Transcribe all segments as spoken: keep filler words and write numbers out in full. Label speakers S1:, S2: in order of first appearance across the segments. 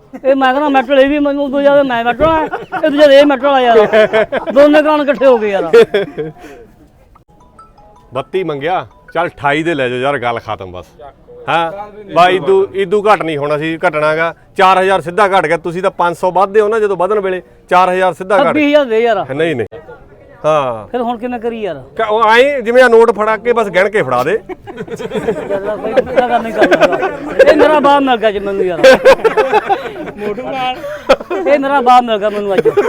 S1: ਇਹ ਮੈਂ ਕਹਿੰਦਾ ਮੈਟਲ ਇਹ ਵੀ ਮੈਨੂੰ ਤੋਂ ਜ਼ਿਆਦਾ ਮੈਂ ਮੈਟਲ ਆ ਇਹ ਤੋਂ ਜ਼ਿਆਦਾ ਇਹ ਮੈਟਲ ਆ ਯਾਰ ਦੋਨੇ ਕਾਨ ਇਕੱਠੇ ਹੋ ਗਏ ਯਾਰ
S2: ਬੱਤੀ ਮੰਗਿਆ ਚੱਲ ਅਠਾਈ ਦੇ ਲੈ ਜਾਓ ਯਾਰ ਗੱਲ ਖਤਮ ਬਸ ਹਾਂ ਬਾ ਇਦੂ ਇਦੂ ਘਟ ਨਹੀਂ ਹੋਣਾ ਸੀ ਘਟਣਾਗਾ ਚਾਰ ਹਜ਼ਾਰ ਸਿੱਧਾ ਘਟ ਗਿਆ ਤੁਸੀਂ ਤਾਂ ਪੰਜ ਸੌ ਵੱਧਦੇ ਹੋ ਨਾ ਜਦੋਂ ਵਧਣ ਵੇਲੇ ਚਾਰ ਹਜ਼ਾਰ ਸਿੱਧਾ ਘਟ
S1: ਛੱਬੀ ਹਜ਼ਾਰ ਦੇ ਯਾਰ
S2: ਨਹੀਂ ਨਹੀਂ ਹਾਂ
S1: ਫਿਰ ਹੁਣ ਕਿਵੇਂ ਕਰੀ ਯਾਰ
S2: ਉਹ ਆਏ ਜਿਵੇਂ ਆ ਨੋਟ ਫੜਾ ਕੇ ਬਸ ਗਿਣ ਕੇ ਫੜਾ ਦੇ
S1: ਇਹ ਮੇਰਾ ਬਾਪ ਮਿਲ ਗਿਆ ਜੀ ਮੈਨੂੰ ਯਾਰ ਮੋਟੂ ਨਾਲ ਇਹ ਮੇਰਾ ਬਾਪ ਮਿਲ ਗਿਆ ਮੈਨੂੰ ਅੱਜ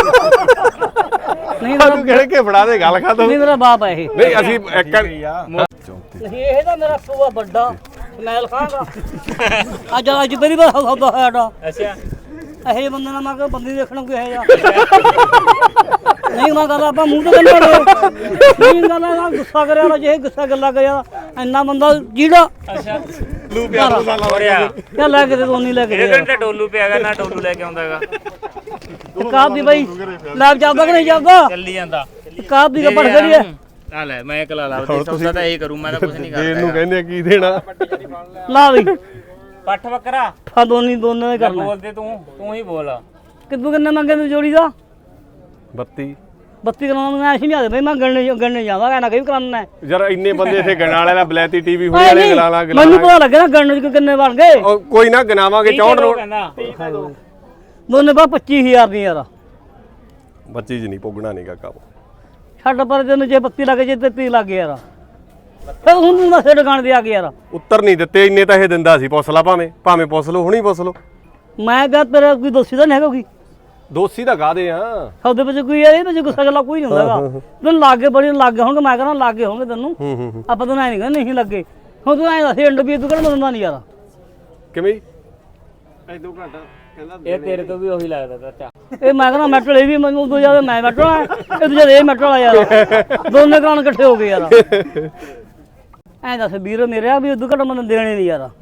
S1: ਨਹੀਂ ਮੇਰਾ
S2: ਗਿਣ ਕੇ ਫੜਾ ਦੇ ਗੱਲ ਖਤਮ
S1: ਨਹੀਂ ਮੇਰਾ ਬਾਪ ਹੈ ਇਹ
S2: ਨਹੀਂ ਅਸੀਂ ਇੱਕ
S1: ਨਹੀਂ ਇਹ ਤਾਂ ਮੇਰਾ ਸੂਆ ਵੱਡਾ ਸਮੈਲ ਖਾਂ ਦਾ ਅੱਜ ਅੱਜ ਪਹਿਲੀ ਵਾਰ ਸੌਦਾ ਹੋਇਆ ਡਾ
S3: ਅੱਛਾ
S1: ਇਹ ਬੰਦੇ ਨਾਲ ਮੈਂ ਕਿਹਾ ਬੰਦੀ ਦੇਖਣ ਕੋਈ ਹੈ ਯਾਰ ਨਹੀਂ ਮੈਂ ਗੱਲ ਆਪਾਂ ਮੂੰਹ ਤੇ ਗੱਲਾਂ ਨਹੀਂ ਗੱਲਾਂ ਗੁੱਸਾ ਕਰਿਆ ਨਾ ਜੇ ਗੁੱਸਾ ਗੱਲਾਂ ਕਰਿਆ ਇੰਨਾ ਬੰਦਾ ਜਿਹੜਾ
S3: ਅੱਛਾ
S2: ਲੂ ਪਿਆ ਮਸਾਲਾ ਹੋ
S3: ਰਿਹਾ
S1: ਕਿਆ ਲੈ ਕੇ ਦੇ ਦੋ ਨਹੀਂ ਲੈ ਕੇ ਦੇ
S3: ਇਹ ਘੰਟੇ ਡੋਲੂ ਪਿਆਗਾ ਨਾ ਡੋਲੂ ਲੈ ਕੇ ਆਉਂਦਾਗਾ
S1: ਕਾਬ ਦੀ ਬਾਈ ਲੈਬ ਜਾਪਦਾ ਕਿ ਨਹੀਂ ਜਾਪਦਾ
S3: ਚੱਲੀ ਜਾਂਦਾ
S1: ਕਾਬ ਦੀ ਕੱਪੜ ਕਰੀ ਹੈ
S3: ਆ ਲੈ ਮੈਂ ਇਕਲਾ ਲਾ ਦੇ ਸੌਦਾ ਤਾਂ ਇਹੀ ਕਰੂੰ ਮੈਂ ਤਾਂ ਕੁਝ ਨਹੀਂ ਕਰਦਾ
S2: ਦੇਣ ਨੂੰ ਕਹਿੰਦੇ ਕੀ ਦੇਣਾ
S1: ਲਾ ਬਈ
S3: ਪੱਠ ਬੱਕਰਾ
S1: ਫਾ ਦੋਨੀ ਦੋਨਾਂ ਨੇ ਕਰਨਾ
S3: ਬੋਲਦੇ ਤੂੰ ਤੂੰ ਹੀ ਬੋਲ
S1: ਕਿੱਦੂ ਕਿੰਨਾ ਮੰਗੇ ਤੂੰ ਜੋੜੀ ਦਾ
S2: ਬੱਤੀ
S1: ਬੱਤੀ ਕਰਾਉਣ ਨੂੰ ਐਸੀ ਨਹੀਂ ਆਦੇ ਬਈ ਮੈਂ ਗਣਨੇ ਗਣਨੇ ਜਾਵਾਂ ਕਹਿੰਦਾ ਕਈ ਕਰਾਉਣਾ ਹੈ
S2: ਯਾਰ ਇੰਨੇ ਬੰਦੇ ਇੱਥੇ ਗਣਾਂ ਵਾਲੇ ਦਾ ਬਲੈਤੀ ਟੀਵੀ ਹੋਣੇ ਵਾਲੇ ਗਲਾ ਲਾ
S1: ਮੈਨੂੰ ਪਤਾ ਲੱਗਿਆ ਨਾ ਗਣਨੇ ਚ ਕਿੰਨੇ ਬਣ ਗਏ
S2: ਉਹ ਕੋਈ ਨਾ ਗਨਾਵਾਂਗੇ ਚੌਂਹਠ ਰੋਡ
S3: ਕਹਿੰਦਾ
S1: ਦੋਨੇ ਬਾ ਪੱਚੀ ਹਜ਼ਾਰ ਦੀ ਯਾਰ
S2: ਬੱਚੀ ਜੀ ਨਹੀਂ ਪੁੱਗਣਾ ਨਹੀਂ ਕਾਕਾ
S1: ਛੱਡ ਪਰ ਤੈਨੂੰ ਜੇ ਬੱਤੀ ਲੱਗ ਜੇ ਤੇਤੀ ਲੱਗ ਯਾਰ ਫਿਰ ਹੁਣ ਮੈਂ ਸਿਰ ਦੁਕਾਨ ਤੇ ਆ ਗਿਆ ਯਾਰ
S2: ਉੱਤਰ ਨਹੀਂ ਦਿੱਤੇ ਇੰਨੇ ਤਾਂ ਇਹ ਦਿੰਦਾ ਸੀ ਪੁੱਛ ਲਾ ਭਾਵੇਂ ਭਾਵੇਂ ਪੁੱਛ ਲਓ ਹੁਣੀ ਪੁੱਛ ਲਓ
S1: ਮੈਂ ਕਿਹਾ ਤੇਰਾ ਕੋਈ ਦੋਸੀ ਤਾਂ ਨਹੀਂ ਹੈਗਾ ਕੋਈ
S2: ਦੋਸੀ ਦਾ ਗਾਦੇ ਆ
S1: ਸੌਦੇ ਵਿੱਚ ਕੋਈ ਯਾਰ ਇਹ ਵਿੱਚ ਗੁੱਸਾ ਗੱਲਾਂ ਕੋਈ ਨਹੀਂ ਹੁੰਦਾਗਾ ਤੈਨੂੰ ਲਾਗੇ ਬੜੀ ਲਾਗੇ ਹੋਣਗੇ ਮੈਂ ਕਹਿੰਦਾ ਲਾਗੇ ਹੋਣਗੇ ਤੈਨੂੰ
S2: ਹੂੰ ਹੂੰ
S1: ਆਪਾਂ ਤਾਂ ਨਹੀਂ ਕਹਿੰਦੇ ਨਹੀਂ ਲੱਗੇ ਹੁਣ ਤੂੰ ਐਂ ਦੱਸ ਇੰਡ ਵੀ ਤੂੰ ਕਿਹੜਾ ਬੰਦਾ ਨਹੀਂ ਯਾਰ
S2: ਕਿਵੇਂ
S3: ਇਹ ਤੇਰੇ ਤੋਂ ਵੀ ਉਹੀ ਲੱਗਦਾ ਚਾਚਾ
S1: ਇਹ ਮੈਂ ਕਹਿੰਦਾ ਮੈਟਲ ਇਹ ਵੀ ਮੈਨੂੰ ਤੋਂ ਜ਼ਿਆਦਾ ਮੈਂ ਮੈਟਲ ਆ ਇਹ ਤੋਂ ਜ਼ਿਆਦਾ ਇਹ ਮੈਟਲ ਆ ਯਾਰ ਦੋਨੇ ਕਾਨ ਇਕੱਠੇ ਹੋ ਗਏ ਯਾਰ ਐਂ ਦੱਸ ਵੀਰ ਮੇਰੇ ਆ ਵੀ ਉਦੋਂ ਘੱਟ ਮੈਨੂੰ ਦੇਣੇ ਨਹੀਂ ਯਾਰ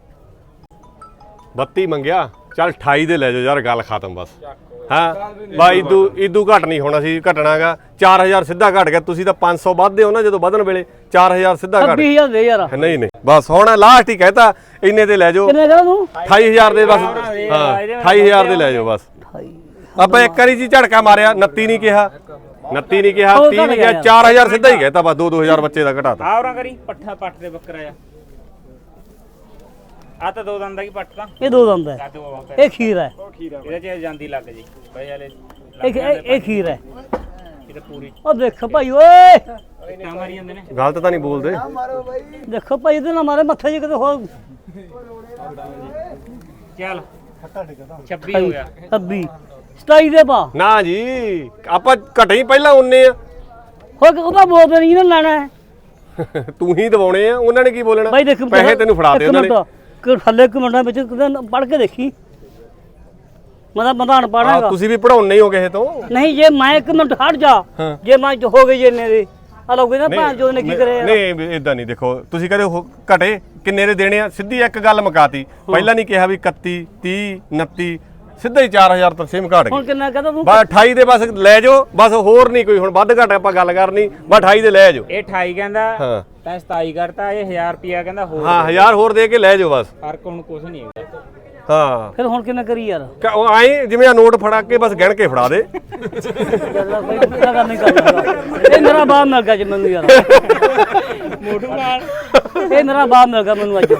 S2: ਬੱਤੀ ਮੰਗਿਆ ਚੱਲ ਅਠਾਈ ਦੇ ਲੈ ਜਾਓ ਯਾਰ ਗੱਲ ਖਤਮ ਬਸ ਹਾਂ ਬਾ ਇਦੂ ਇਦੂ ਘਟ ਨਹੀਂ ਹੋਣਾ ਸੀ ਘਟਣਾਗਾ ਚਾਰ ਹਜ਼ਾਰ ਸਿੱਧਾ ਘਟ ਗਿਆ ਤੁਸੀਂ ਤਾਂ ਪੰਜ ਸੌ ਵੱਧਦੇ ਹੋ ਨਾ ਜਦੋਂ ਵਧਣ ਵੇਲੇ ਚਾਰ ਹਜ਼ਾਰ ਸਿੱਧਾ ਘਟ
S1: ਛੱਬੀ ਹਜ਼ਾਰ ਦੇ ਯਾਰ
S2: ਨਹੀਂ ਨਹੀਂ ਬਸ ਹੁਣ ਲਾਸਟ ਹੀ ਕਹਿਤਾ ਇੰਨੇ ਤੇ ਲੈ ਜਾਓ
S1: ਕਿੰਨੇ ਕਹਾਂ ਤੂੰ
S2: ਅਠਾਈ ਹਜ਼ਾਰ ਦੇ ਬਸ ਹਾਂ ਅਠਾਈ ਹਜ਼ਾਰ ਦੇ ਲੈ ਜਾਓ ਬਸ ਆਪਾਂ ਇੱਕ ਵਾਰੀ ਜੀ ਝੜਕਾ ਮਾਰਿਆ ਉਨੱਤੀ ਨਹੀਂ ਕਿਹਾ ਉਨੱਤੀ ਨਹੀਂ ਕਿਹਾ ਤੀਹ ਨਹੀਂ ਕਿਹਾ ਚਾਰ ਹਜ਼ਾਰ ਸਿੱਧਾ ਹੀ ਕਹਿਤਾ ਬਸ ਦੋ ਦੋ ਹਜ਼ਾਰ ਬੱਚੇ ਦਾ ਘਟਾਤਾ
S3: ਆਵਰਾਂ ਕਰੀ ਪੱਠਾ ਪੱਠ ਦੇ ਬੱਕਰਾ ਆ ਆ ਤਾਂ ਦੋ ਦੰਦਾਂ ਦੀ ਪੱਠ ਤਾਂ
S1: ਇਹ ਦੋ ਦੰਦ ਹੈ ਇਹ ਖੀਰ ਹੈ
S3: ਇਹਦੇ ਚ ਜਾਂਦੀ ਲੱਗ ਜੀ ਬਈ ਹਲੇ
S1: ਇਹ ਇਹ ਖੀਰ ਹੈ
S3: ਇਹ ਤਾਂ ਪੂਰੀ
S1: ਉਹ ਦੇਖ ਭਾਈ ਓਏ
S3: ਟਾਂ ਮਾਰੀ ਜਾਂਦੇ ਨੇ
S2: ਗਲਤ ਤਾਂ ਨਹੀਂ ਬੋਲਦੇ
S1: ਦੇਖੋ ਭਾਈ ਇਹਦੇ ਨਾਲ ਮਾਰੇ ਮੱਥੇ ਜੇ ਕਿਤੇ ਹੋਰ
S3: ਚੱਲ ਛੱਬੀ ਹੋ ਗਿਆ
S1: ਛੱਬੀ ਸਤਾਈ ਦੇ ਪਾ
S2: ਨਾ ਜੀ ਆਪਾਂ ਘਟੇ ਹੀ ਪਹਿਲਾਂ ਉਨੇ ਆ
S1: ਹੋਰ ਉਹਦਾ ਬੋਲਦੇ ਨਹੀਂ ਨਾ ਲੈਣਾ ਹੈ
S2: ਤੂੰ ਹੀ ਦਵਾਉਣੇ ਆ ਉਹਨਾਂ ਨੇ ਕੀ ਬੋਲਣਾ
S1: ਬਾਈ ਦੇਖ
S2: ਪੈਸੇ ਤੈਨੂੰ ਫੜਾ ਦੇ ਉਹਨਾਂ ਨੇ
S1: ਕਿ ਥੱਲੇ ਕਮੈਂਟਾਂ ਵਿੱਚ ਪੜ੍ਹ ਕੇ ਦੇਖੀ ਮੈਂ ਤਾਂ ਬੰਦਾ ਅਨਪੜ੍ਹ ਹੈਗਾ
S2: ਤੁਸੀਂ ਵੀ ਪੜਾਉਣੇ ਹੋ ਕਿਸੇ ਤੋਂ
S1: ਨਹੀਂ ਜੇ ਮੈਂ ਇੱਕ ਮਿੰਟ ਹਟ ਜਾ ਜੇ ਮੈਂ ਹੋ ਗਈ ਜੇ ਨੇ ਦੇ ਆ ਲੋਗੇ ਨਾ ਭਾਂ ਜੋ ਨੇ ਕੀ ਕਰੇ
S2: ਨਹੀਂ ਇਦਾਂ ਨਹੀਂ ਦੇਖੋ ਤੁਸੀਂ ਕਹਦੇ ਘਟੇ ਕਿੰਨੇ ਦੇ ਦੇਣੇ ਆ ਸਿੱਧੀ ਇੱਕ ਗੱਲ ਮੁਕਾਤੀ ਪਹਿਲਾਂ ਨਹੀਂ ਕਿਹਾ ਵੀ ਇਕੱਤੀ ਤੀਹ ਉਨੱਤੀ ਸਿੱਧਾ ਹੀ ਚਾਰ ਹਜ਼ਾਰ ਤੱਕ ਸਿਮ ਘਟ
S1: ਹੁਣ
S2: ਗਈ
S1: ਕਿੰਨਾ ਕਹਦਾ ਤੂੰ
S2: ਬਸ ਅਠਾਈ ਦੇ ਬਸ ਲੈ ਜਾਓ ਬਸ ਹੋਰ ਨਹੀਂ ਕੋਈ ਹੁਣ ਵੱਧ ਘਟ ਆਪਾਂ ਗੱਲ ਕਰਨੀ ਬਸ ਅਠਾਈ ਦੇ ਲੈ ਜਾਓ
S3: ਇਹ ਅਠਾਈ ਕਹਿੰਦਾ
S2: ਹਾਂ
S3: ਤੈਂ ਸਤਾਈ ਕਰਤਾ ਇਹ ਹਜ਼ਾਰ ਰੁਪਿਆ ਕਹਿੰਦਾ ਹੋਰ
S2: ਹਾਂ ਹਜ਼ਾਰ ਹੋਰ ਦੇ ਕੇ ਲੈ ਜਾਓ ਬਸ
S3: ਫਰਕ ਹੁਣ ਕੁਝ ਨਹੀਂ ਹੈਗਾ
S2: ਹਾਂ
S1: ਫਿਰ ਹੁਣ ਕਿਵੇਂ ਕਰੀ ਯਾਰ
S2: ਉਹ ਆਏ ਜਿਵੇਂ ਆ ਨੋਟ ਫੜਾ ਕੇ ਬਸ ਗਿਣ ਕੇ ਫੜਾ ਦੇ
S1: ਇਹ ਮੇਰਾ ਬਾਪ ਮਿਲ ਗਿਆ ਜੀ ਮੈਨੂੰ ਯਾਰ
S3: ਮੋਟੂ ਨਾਲ
S1: ਇਹ ਮੇਰਾ ਬਾਪ ਮਿਲ ਗਿਆ ਮੈਨੂੰ ਅੱਜ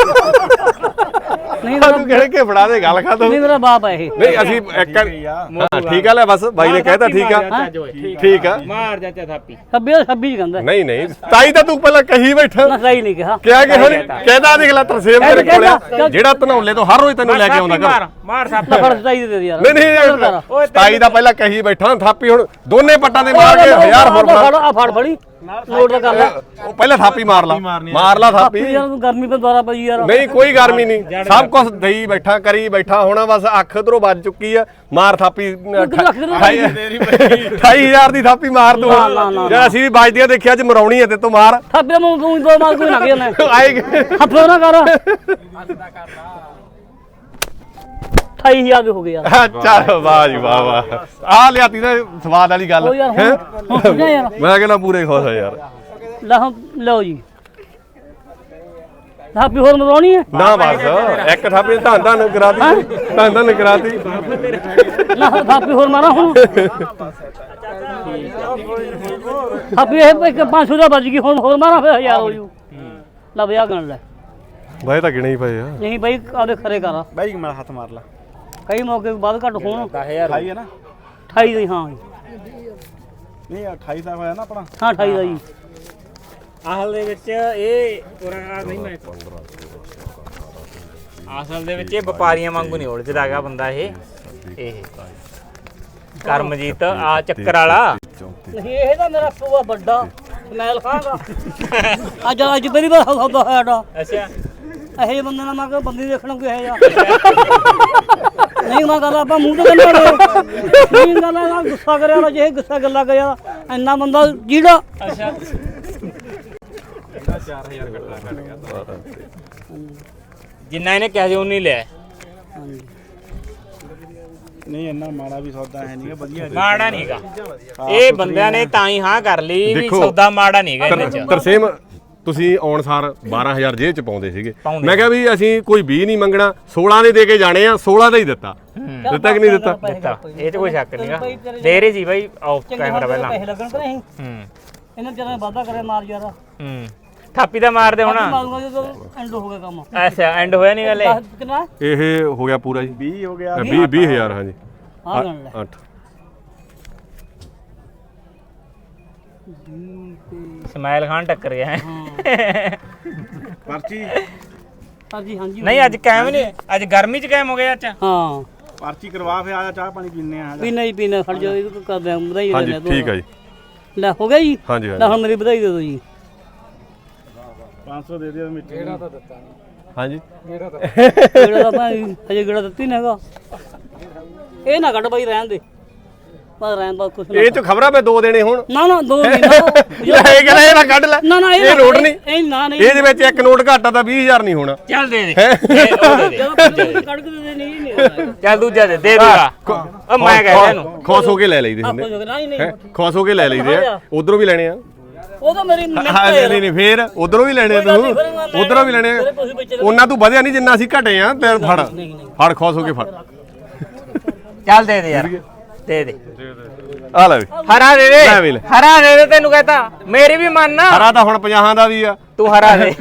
S1: ਨਹੀਂ
S2: ਤੂੰ ਗਿਣ ਕੇ ਫੜਾ ਦੇ ਗੱਲ ਖਤਮ
S1: ਨਹੀਂ ਮੇਰਾ ਬਾਪ ਹੈ ਇਹ
S2: ਨਹੀਂ ਅਸੀਂ ਇੱਕ ਹਾਂ ਠੀਕ ਆ ਲੈ ਬਸ ਬਾਈ ਨੇ ਕਹਿਤਾ ਠੀਕ ਆ ਠੀਕ ਆ
S3: ਮਾਰ ਚਾਚਾ ਥਾਪੀ
S1: ਛੱਬੀ ਛੱਬੀ ਕਹਿੰਦਾ
S2: ਨਹੀਂ ਨਹੀਂ ਤਾਈ ਤਾਂ ਤੂੰ ਪਹਿਲਾਂ ਕਹੀ ਬੈਠਾ
S1: ਨਾ ਸਹੀ ਨਹੀਂ ਕਿਹਾ
S2: ਕਿਹਾ ਕਿ ਹੁਣ ਕਹਿੰਦਾ ਦੇਖ ਲੈ ਤਰਸੇਮ ਤੇਰੇ ਕੋਲ ਆ ਜਿਹੜਾ ਧਨੌਲੇ ਤੋਂ ਹਰ ਰੋਜ਼ ਤੈਨੂੰ ਲੈ ਕੇ ਆਉਂਦਾ
S3: ਮਾਰ
S2: ਘਰ
S3: ਮਾਰ ਥਾਪੀ
S1: ਫੜ ਸਹੀ ਦੇ ਦੇ ਯਾਰ
S2: ਨਹੀਂ ਨਹੀਂ ਤਾਈ ਦਾ ਪਹਿਲਾਂ ਕਹੀ ਬੈਠਾ ਥਾਪੀ ਹੁਣ ਦੋਨੇ ਪੱਟਾਂ ਦੇ ਮਾਰ ਕੇ ਹਜ਼ਾਰ ਹੋਰ
S1: ਫੜ ਆ ਫੜ ਫੜੀ ਨੋਟ ਦਾ ਕਰ ਲੈ
S2: ਉਹ ਪਹਿਲਾਂ ਥਾਪੀ ਮਾਰ ਲਾ ਮਾਰ ਲਾ ਥਾਪੀ
S1: ਯਾਰ ਤੂੰ ਗਰਮੀ ਤੇ ਦੁਆਰਾ ਪਈ ਯਾਰ
S2: ਨਹੀਂ ਕੋਈ ਗਰਮੀ ਨਹੀਂ ਸਭ ਕੁਝ ਦਈ ਬੈਠਾ ਕਰੀ ਬੈਠਾ ਹੋਣਾ ਬਸ ਅੱਖ ਉਧਰੋਂ ਵੱਜ ਚੁੱਕੀ ਆ ਮਾਰ ਥਾਪੀ ਅਠਾਈ ਹਜ਼ਾਰ ਦੀ ਥਾਪੀ ਮਾਰ ਤੂੰ ਯਾਰ ਅਸੀਂ ਵੀ ਵੱਜਦੀਆਂ ਦੇਖਿਆ ਅੱਜ ਮਰਾਉਣੀ ਹੈ ਤੇ ਤੂੰ ਮਾਰ
S1: ਥਾਪੇ ਮੂੰਹ ਤੂੰ ਦੋ ਮਾਰ ਕੋਈ ਨਾ ਗਿਆ ਮੈਂ
S2: ਆਏ
S1: ਹੱਥੋਂ ਨਾ ਕਰ ਅਠਾਈ ਹਜ਼ਾਰ ਦੇ ਹੋ ਗਏ ਯਾਰ
S2: ਚੱਲ ਵਾਹ ਜੀ ਵਾਹ ਵਾਹ ਆ ਲਿਆਤੀ ਨਾ ਸਵਾਦ ਵਾਲੀ ਗੱਲ
S1: ਉਹ ਯਾਰ
S2: ਹੈਂ?
S1: ਹੁਣ ਸੁਣਿਆ ਯਾਰ
S2: ਮੈਂ ਕਹਿੰਦਾ ਪੂਰੇ ਖੁਸ਼ ਆ ਯਾਰ
S1: ਲੈ ਹੁਣ ਲਓ ਜੀ ਥਾਪੀ ਹੋਰ ਮਰਾਉਣੀ ਹੈ
S2: ਨਾ ਬਸ ਇੱਕ ਥਾਪੀ ਧੰਨ ਧੰਨ ਕਰਾਤੀ ਧੰਨ ਧੰਨ ਕਰਾਤੀ
S1: ਨਾ ਥਾਪੀ ਹੋਰ ਮਾਰਾ ਹੁਣ ਥਾਪੀ ਇਹ ਇੱਕ ਪੰਜ ਸੌ ਦਾ ਵੱਜ ਗਈ ਹੁਣ ਹੋਰ ਮਾਰਾ ਫਿਰ ਹਜ਼ਾਰ ਹੋ ਜੂ ਲੈ ਵਿਆਹ ਗਣ ਲੈ
S2: ਬਾਈ ਤਾਂ ਗਿਣੇ ਹੀ ਪਏ ਆ
S1: ਨਹੀਂ ਬਾਈ ਆਪਦੇ ਖਰੇ ਕਰ
S3: ਬਾਈ ਮੈਂ ਹੱਥ ਮਾਰ ਲਾ
S1: ਕਈ ਮੌਕੇ ਬਾਅਦ ਘੱਟ ਹੋਣ
S3: ਦਸ ਹਜ਼ਾਰ ਹੈ ਨਾ
S1: ਅਠਾਈ ਦੀ ਹਾਂ
S3: ਨਹੀਂ ਅਠਾਈ ਦਾ ਹੋਇਆ ਨਾ ਆਪਣਾ
S1: ਹਾਂ ਅਠਾਈ ਦਾ ਜੀ
S4: ਅਸਲ ਦੇ ਵਿੱਚ ਇਹ ਪੁਰਾਣਾ ਨਹੀਂ ਮੈਂ ਅਸਲ ਦੇ ਵਿੱਚ ਇਹ ਵਪਾਰੀਆਂ ਵਾਂਗੂ ਨਹੀਂ ਉਲਝਦਾ ਹੈਗਾ ਬੰਦਾ ਇਹ ਇਹ ਕਰਮਜੀਤ ਆ ਚੱਕਰ ਵਾਲਾ
S1: ਨਹੀਂ ਇਹ ਤਾਂ ਮੇਰਾ ਪੂਆ ਵੱਡਾ ਸਮੈਲ ਖਾਂਗਾ ਅੱਜ ਅੱਜ ਪਹਿਲੀ ਵਾਰ ਸੌਦਾ ਹੋਇਆ ਡਾ
S4: ਅੱਛਾ
S1: ਇਹੋ ਜਿਹੇ ਬੰਦੇ ਨਾਲ ਮੈਂ ਕਿਹਾ ਬੰਦੀ ਦੇਖਣ ਕੋਈ ਹੈ ਜਾਂ ਨਹੀਂ ਮੈਂ ਗੱਲ ਆਪਾਂ ਮੂੰਹ ਤੇ ਕੰਨਾਂ ਨਹੀਂ ਗੱਲ ਆ ਗੁੱਸਾ ਕਰਿਆ ਵਾਲਾ ਜੇ ਗੁੱਸਾ ਗੱਲਾਂ ਕਰਿਆ ਇੰਨਾ ਬੰਦਾ ਜਿਹੜਾ
S4: ਅੱਛਾ ਜਿੰਨਾ ਇਹਨੇ ਕਿਹਾ ਸੀ ਉਹ ਨਹੀਂ ਲਿਆ
S3: ਨਹੀਂ ਇੰਨਾ ਮਾੜਾ ਵੀ ਸੌਦਾ ਹੈ ਨਹੀਂ ਵਧੀਆ
S4: ਮਾੜਾ ਨਹੀਂਗਾ ਇਹ ਬੰਦਿਆਂ ਨੇ ਤਾਂ ਹੀ ਹਾਂ ਕਰ ਲਈ ਵੀ
S2: ਦੇਖੋ,
S4: ਸੌਦਾ ਮਾੜਾ ਨਹੀਂਗਾ ਇਹਦੇ ਚ
S2: ਤਰਸੇਮ ਤੁਸੀਂ ਆਉਣ ਸਾਰ ਬਾਰਾਂ ਹਜ਼ਾਰ ਜੇਬ ਚ ਪਾਉਂਦੇ ਸੀਗੇ
S4: ਪਾਉਂਦੇ।
S2: ਮੈਂ ਕਿਹਾ ਵੀ ਅਸੀਂ ਕੋਈ ਵੀਹ ਨਹੀਂ ਮੰਗਣਾ ਸੋਲਾਂ ਦੇ ਦੇ ਕੇ ਜਾਣੇ ਆ ਸੋਲਾਂ ਦਾ ਹੀ ਦਿੱਤਾ ਦਿੱਤਾ ਕਿ ਨਹੀਂ ਦਿੱਤਾ
S4: ਦਿੱਤਾ ਇਹ ਤੇ ਕੋਈ ਸ਼ੱਕ ਨਹੀਂਗਾ ਦੇ ਰਹੇ ਸੀ ਬਾਈ ਆਫ ਕੈਮਰਾ ਪਹਿਲਾਂ
S1: ਪੈਸੇ ਲੱਗਣ ਕਿ ਨਹੀਂ
S4: ਹੂੰ
S1: ਇਹਨਾਂ ਚਿਰਾਂ ਵਾਦਾ ਕਰੇ ਮਾਰ ਯਾਰ
S4: ਹੂੰ ਥਾਪੀ ਦਾ ਮਾਰਦੇ ਹੁਣ
S1: ਮਾਰੂਗਾ ਜਦੋਂ ਐਂਡ ਹੋ ਗਿਆ ਕੰਮ
S4: ਅੱਛਾ ਐਂਡ ਹੋਇਆ ਨਹੀਂ ਗੱਲ ਇਹ
S1: ਦਸ ਕਿੰਨਾ
S2: ਇਹ ਹੋ ਗਿਆ ਪੂਰਾ ਜੀ
S3: ਵੀਹ ਹੋ ਗਿਆ
S2: ਵੀਹ ਵੀਹ ਹਜ਼ਾਰ ਹਾਂਜੀ
S1: ਆ ਗਣ ਲੈ
S2: ਅੱਠ
S4: ਸਮਾਈਲ ਖਾਨ ਟੱਕਰ ਗਿਆ ਹੈ
S3: ਪਰਚੀ
S1: ਹਾਂਜੀ ਹਾਂਜੀ
S4: ਨਹੀਂ ਅੱਜ ਕਾਇਮ ਨਹੀਂ ਅੱਜ ਗਰਮੀ ਚ ਕਾਇਮ ਹੋ ਗਿਆ ਅੱਜ
S1: ਹਾਂ
S3: ਪਰਚੀ ਕਰਵਾ ਫੇ ਆ ਚਾਹ ਪਾਣੀ ਪੀਨੇ ਆ
S1: ਪੀਣਾ ਹੀ ਪੀਣਾ ਖੜ ਜਾ ਇਹ ਕਰਦੇ ਆ ਵਧਾਈ
S2: ਹਾਂਜੀ
S1: ਦੇ
S2: ਠੀਕ ਹੈ ਜੀ
S1: ਲੈ ਹੋ ਗਿਆ ਜੀ
S2: ਹਾਂਜੀ
S1: ਲੈ
S2: ਹਾਂਜੀ
S1: ਹੁਣ ਮੇਰੀ ਵਧਾਈ ਦੇ ਦਿਓ ਜੀ
S3: ਪੰਜ ਸੌ ਦੇ ਦਿਓ ਮਿੱਠੇ ਕਿਹੜਾ ਤਾਂ ਦਿੱਤਾ
S2: ਹਾਂਜੀ
S1: ਗੇੜਾ ਤਾਂ ਭਾਈ ਹਜੇ ਗੇੜਾ ਦਿੱਤੀ ਨਾ ਹੈਗਾ ਇਹ ਨਾ ਕੱਢ ਬਾਈ ਰਹਿਣ ਦੇ ਬਸ ਰਹਿਣ ਦਾ ਕੁਛ ਨਾ
S2: ਇਹ ਚ ਖਬਰਾਂ ਪੇ ਦੋ ਦੇਣੇ ਹੁਣ
S1: ਨਾ ਨਾ ਦੋ ਨਹੀਂ ਨਾ
S2: ਇਹ ਕਹਿੰਦਾ ਇਹ ਨਾ ਕੱਢ ਲੈ
S1: ਨਾ ਨਾ
S2: ਇਹ ਲੋੜ ਨਹੀਂ
S1: ਇਹ ਨਾ ਨਹੀਂ
S2: ਇਹਦੇ ਵਿੱਚ ਇੱਕ ਨੋਟ ਘਾਟਾ ਤਾਂ ਵੀਹ ਹਜ਼ਾਰ ਨਹੀਂ ਹੋਣਾ
S4: ਚੱਲ ਦੇ ਦੇ ਇਹ ਉਹ ਦੇ ਦੇ
S1: ਜਦੋਂ ਕੱਢ ਕੱਢ ਕੇ ਦੇ ਨਹੀਂ ਨਹੀਂ ਹੋਣਾ
S4: ਚੱਲ ਦੂਜਾ ਦੇ ਦੇ ਦੂਗਾ ਉਹ ਮੈਂ ਕਹਿ ਰਿਹਾ ਇਹਨੂੰ
S2: ਖੁਸ਼ ਹੋ ਕੇ ਲੈ ਲਈਦੇ ਹੁੰਦੇ
S1: ਆਪੋ ਨਹੀਂ ਨਹੀਂ
S2: ਹੈ ਖੁਸ਼ ਹੋ ਕੇ ਲੈ ਲਈਦੇ ਆ ਉਧਰੋਂ ਵੀ ਲੈਣੇ ਆ
S1: ਉਹ ਤਾਂ ਮੇਰੀ ਮਿਹਨਤ
S2: ਹਾਂ
S1: ਹੈ
S2: ਨਹੀਂ ਨਹੀਂ ਫੇਰ ਉਧਰੋਂ ਵੀ ਲੈਣੇ ਆ ਤੂੰ ਉਧਰੋਂ ਵੀ ਲੈਣੇ ਆ ਉਹਨਾਂ ਤੂੰ ਵਧਿਆ ਨਹੀਂ ਜਿੰਨਾ ਅਸੀਂ ਘਟੇ ਆ ਤੇ ਫੜ ਫੜ ਖੁਸ਼ ਹੋ ਕੇ ਫੜ
S4: ਚੱਲ ਦੇ ਦੇ ਯਾਰ ਦੇ ਦੇ
S2: ਆ ਲੈ ਵੀ
S4: ਹਰਾ ਦੇ
S2: ਲੈ ਵੀ
S4: ਦੇ
S2: ਲੈ।
S4: ਹਰਾ ਦੇ ਦੇ ਤੈਨੂੰ ਕਹਤਾ ਮੇਰੀ ਵੀ ਮੰਨ ਨਾ
S2: ਹਰਾ ਤਾਂ ਹੁਣ ਪੰਜਾਹਾਂ ਦਾ ਵੀ ਆ
S4: ਤੂੰ ਹਰਾ ਦੇ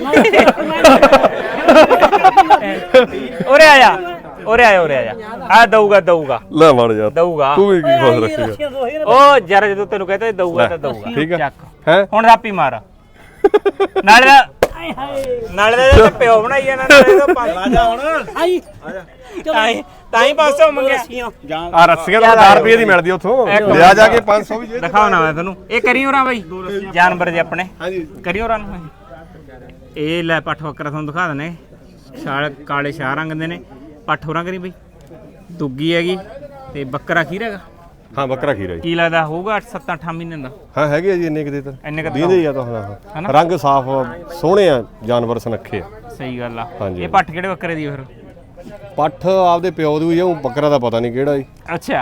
S4: ਉਰੇ ਆ ਜਾ ਉਰੇ ਆ ਜਾ ਉਰੇ ਆ ਜਾ ਆ ਦਊਗਾ ਦਊਗਾ
S2: ਲੈ ਮੜ ਜਾ
S4: ਦਊਗਾ
S2: ਤੂੰ ਵੀ ਕੀ ਖੁਸ਼ ਰੱਖੇਗਾ
S4: ਉਹ ਜਰਾ ਜਦੋਂ ਤੈਨੂੰ ਕਹਤਾ ਦਊਗਾ ਤਾਂ ਦਊਗਾ
S2: ਠੀਕ ਆ
S4: ਚੱਕ
S2: ਹੈ
S4: ਹੁਣ ਰਾਪੀ ਮਾਰ ਨਾਲੇ ਦਾ ਨਾਲੇ ਦਾ ਇਹਦਾ ਪਿਓ ਬਣਾਈ ਜਾਣਾ ਨਾਲੇ ਦਾ ਪੰਜ
S3: ਰਾਜਾ ਹੁਣ
S1: ਆਈ
S4: ਤਾਂ ਹੀ ਤਾਂ ਹੀ ਪੰਜ ਸੌ ਮੰਗਿਆ
S3: ਜਾਨ
S2: ਆ ਰੱਸੀਆਂ ਤਾਂ ਹਜ਼ਾਰ ਰੁਪਏ ਦੀ ਮਿਲਦੀ ਉੱਥੋਂ ਲਿਆ ਜਾ ਕੇ ਪੰਜ ਸੌ ਵੀ ਜੇ
S4: ਦਿਖਾਓ ਨਾ ਮੈਂ ਤੈਨੂੰ ਇਹ ਕਰੀ ਹੋਰਾਂ ਬਾਈ ਜਾਨਵਰ ਜੇ ਆਪਣੇ
S2: ਹਾਂਜੀ
S4: ਕਰੀ ਹੋਰਾਂ ਨੂੰ ਇਹ ਲੈ ਪੱਠ ਬੱਕਰਾ ਤੁਹਾਨੂੰ ਦਿਖਾ ਦਨੇ ਛਾਲ ਕਾਲੇ ਸ਼ਾਹ ਰੰਗ ਦੇ ਨੇ ਪੱਠ ਹੋਰਾਂ ਕਰੀ ਬਈ ਦੁੱਗੀ ਹੈਗੀ ਤੇ ਬੱਕਰਾ ਖੀਰ ਹੈਗਾ
S2: ਹਾਂ ਬੱਕਰਾ ਖੀਰਾ ਜੀ
S4: ਕੀ ਲੱਗਦਾ ਹੋਊਗਾ ਅੱਠ ਸੱਤ ਅੱਠ ਮਹੀਨੇ ਦਾ
S2: ਹਾਂ ਹੈਗੇ ਆ ਜੀ ਇੰਨੇ ਕਿਤੇ ਤਾਂ
S4: ਇੰਨੇ ਕੁ
S2: ਦੀਂਦੇ ਹੀ ਆ ਤਾਂ ਹਾਂ ਰੰਗ ਸਾਫ ਸੋਹਣੇ ਆ ਜਾਨਵਰ ਸੁਨੱਖੇ ਆ
S4: ਸਹੀ ਗੱਲ ਆ
S2: ਹਾਂਜੀ।
S4: ਇਹ ਪੱਠ ਕਿਹੜੇ ਬੱਕਰੇ ਦੀ ਆ ਫਿਰ
S2: ਪੱਠ ਆਪਦੇ ਪਿਓ ਦੀ ਹੋਈ ਆ ਉਹ ਬੱਕਰਾ ਦਾ ਪਤਾ ਨਹੀਂ ਕਿਹੜਾ ਜੀ
S4: ਅੱਛਾ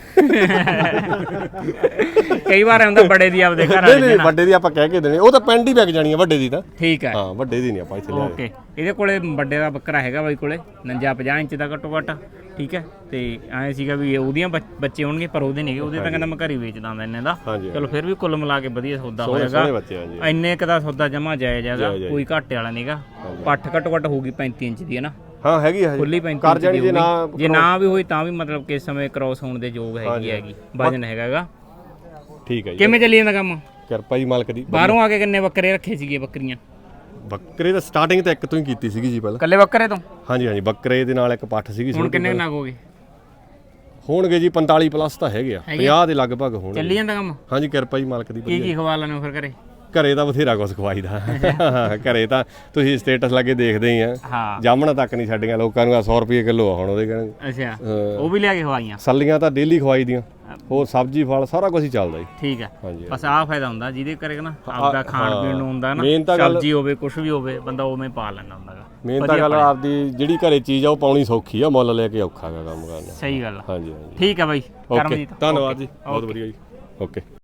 S4: ਕਈ ਵਾਰ ਆਉਂਦਾ ਬੜੇ ਦੀ ਆਪਦੇ ਘਰ
S2: ਨਹੀਂ
S4: ਵਾਲੇ
S2: ਨਹੀਂ ਵੱਡੇ ਦੀ ਆਪਾਂ ਕਹਿ ਕੇ ਦੇਣੇ ਉਹ ਤਾਂ ਪਿੰਡ ਹੀ ਵਿਕ ਜਾਣੀ ਆ ਵੱਡੇ ਦੀ ਤਾਂ
S4: ਠੀਕ ਹੈ
S2: ਹਾਂ ਵੱਡੇ ਦੀ ਨਹੀਂ ਆਪਾਂ ਇੱਥੇ ਲਿਆਏ
S4: ਓਕੇ ਇਹਦੇ ਕੋਲੇ ਵੱਡੇ ਦਾ ਬੱਕਰਾ ਹੈਗਾ ਬਾਈ ਕੋਲੇ ਉਣੰਜਾ ਪੰਜਾਹ ਇੰਚ ਦਾ ਘੱਟੋ ਘੱਟ ਠੀਕ ਹੈ ਤੇ ਐਂ ਸੀਗਾ ਵੀ ਉਹਦੀਆਂ ਬੱਚ- ਬੱਚੇ ਹੋਣਗੇ ਪਰ ਉਹਦੇ ਨਹੀਂਗੇ ਉਹਦੇ ਤਾਂ ਕਹਿੰਦਾ ਮੈਂ ਘਰ ਹੀ ਵੇਚਦਾ ਹੁੰਦਾ ਇੰਨੇ ਦਾ
S2: ਹਾਂਜੀ
S4: ਚਲੋ ਫਿਰ ਵੀ ਕੁੱਲ ਮਿਲਾ ਕੇ ਵਧੀਆ ਸੌਦਾ
S2: ਸੋਹਣੇ
S4: ਹੋਏਗਾ
S2: ਸੋਹਣੇ ਬੱਚੇ ਆ ਜੀ
S4: ਇੰਨੇ ਕ ਦਾ ਸੌਦਾ ਜਮਾ ਜਾਇਜ਼ ਹੈਗਾ
S2: ਜਾਇਜ਼ ਹੈ।
S4: ਕੋਈ ਘਾਟੇ ਵਾਲਾ ਨਹੀਂਗਾ ਪੱਠ ਘੱਟੋ ਘੱਟ ਹੋਊਗੀ ਪੈਂਤੀ ਇੰਚ ਦੀ ਹੈ ਨਾ
S2: ਹਾਂ ਹੈਗੀ ਆ
S4: ਖੁੱਲੀ
S2: ਹਜੇ
S4: ਪੈਂਤੀ
S2: ਕਰ
S4: ਇੰਚ
S2: ਜਾਣੀ
S4: ਦੀ
S2: ਜੇ ਨਾ
S4: ਹੋਊਗੀ। ਜੇ ਨਾ ਵੀ ਹੋਈ ਤਾਂ ਵੀ ਮਤਲਬ ਕਿ ਇਸ ਸਮੇਂ ਕ੍ਰਾਸ ਹੋਣ ਦੇ ਯੋਗ ਹੈਗੀ ਹੈਗੀ ਵਜਨ ਹੈਗਾਗਾ
S2: ਠੀਕ ਹੈ ਜੀ
S4: ਕਿਵੇਂ ਚੱਲੀ ਜਾਂਦਾ ਕੰਮ
S2: ਕਿਰਪਾ ਜੀ ਮਾਲਕ ਦੀ
S4: ਬਾਹਰੋਂ ਆ ਕੇ ਕਿੰਨੇ ਬੱਕਰੇ ਰੱਖੇ ਸੀਗੇ ਬੱਕਰੀਆਂ
S2: ਬੱਕਰੇ ਤਾਂ ਸਟਾਰਟਿੰਗ ਤਾਂ ਇੱਕ ਤੋਂ ਹੀ ਕੀਤੀ ਸੀਗੀ ਜੀ ਪਹਿਲਾਂ
S4: ਕੱਲੇ ਬੱਕਰੇ ਤੋਂ
S2: ਹਾਂਜੀ ਹਾਂਜੀ ਬੱਕਰੇ ਦੇ ਨਾਲ ਇੱਕ ਪੱਠ ਸੀਗੀ
S4: ਹੁਣ ਕਿੰਨੇ ਨਗ ਹੋ ਗਏ
S2: ਹੋਣਗੇ ਜੀ ਪੰਤਾਲੀ ਪਲੱਸ ਤਾਂ ਹੈਗੇ ਆ ਪੰਜਾਹ ਦੇ ਲਗਭਗ ਹੋਣਗੇ
S4: ਚੱਲੀ ਜਾਂਦਾ ਕੰਮ
S2: ਹਾਂਜੀ ਕਿਰਪਾ ਜੀ ਮਾਲਕ ਦੀ
S4: ਕੀ ਕੀ ਖਵਾ ਲੈਣੇ ਫਿਰ ਘਰੇ
S2: ਘਰੇ ਤਾਂ ਬਥੇਰਾ ਕੁਛ ਖਵਾਈਦਾ ਘਰੇ ਤਾਂ ਤੁਸੀਂ ਸਟੇਟਸ ਲੱਗੇ ਦੇਖਦੇ ਹੀ ਆ
S4: ਹਾਂ
S2: ਜਾਮਣਾ ਤੱਕ ਨਹੀਂ ਛੱਡੀਆਂ ਲੋਕਾਂ ਨੂੰ ਆ ਸੌ ਰੁਪਏ ਕਿਲੋ ਆ ਹੁਣ ਉਹਦੇ ਕਹਿੰਦੇ
S4: ਅੱਛਾ ਉਹ ਵੀ ਲਿਆ ਕੇ ਖਵਾਈਆਂ
S2: ਸੱਲੀਆਂ ਤਾਂ ਡੇਲੀ ਖਵਾਈ ਦੀਆਂ ਹੋਰ ਸਬਜ਼ੀ ਫਲ ਸਾਰਾ ਕੁਝ ਹੀ ਚੱਲਦਾ ਜੀ
S4: ਠੀਕ ਹੈ
S2: ਹਾਂਜੀ
S4: ਬਸ ਆਹ ਫਾਇਦਾ ਹੁੰਦਾ ਜਿਹਦੇ ਕਰੇਗਾ ਨਾ ਆਪਦਾ ਖਾਣ ਪੀਣ ਨੂੰ ਹੁੰਦਾ ਨਾ
S2: ਮੇਨ ਤਾਂ ਗੱਲ-
S4: ਸਬਜ਼ੀ ਹੋਵੇ ਕੁਝ ਵੀ ਹੋਵੇ ਬੰਦਾ ਉਵੇਂ ਪਾ ਲੈਂਦਾ ਹੁੰਦਾਗਾ
S2: ਮੇਨ ਤਾਂ ਗੱਲ ਆਪਦੀ ਜਿਹੜੀ ਘਰੇ ਚੀਜ਼ ਆ ਉਹ ਪਾਉਣੀ ਸੌਖੀ ਆ ਮੁੱਲ ਲੈ ਕੇ ਔਖਾ ਗਾ ਕੰਮ ਕਰਨਾ
S4: ਸਹੀ ਗੱਲ ਆ।
S2: ਹਾਂਜੀ ਹਾਂਜੀ
S4: ਠੀਕ ਹੈ ਬਾਈ
S2: ਓਕੇ
S4: ਕਰਮਜੀਤ
S2: ਧੰਨਵਾਦ ਜੀ ਬਹੁਤ ਵਧੀਆ ਜੀ ਓਕੇ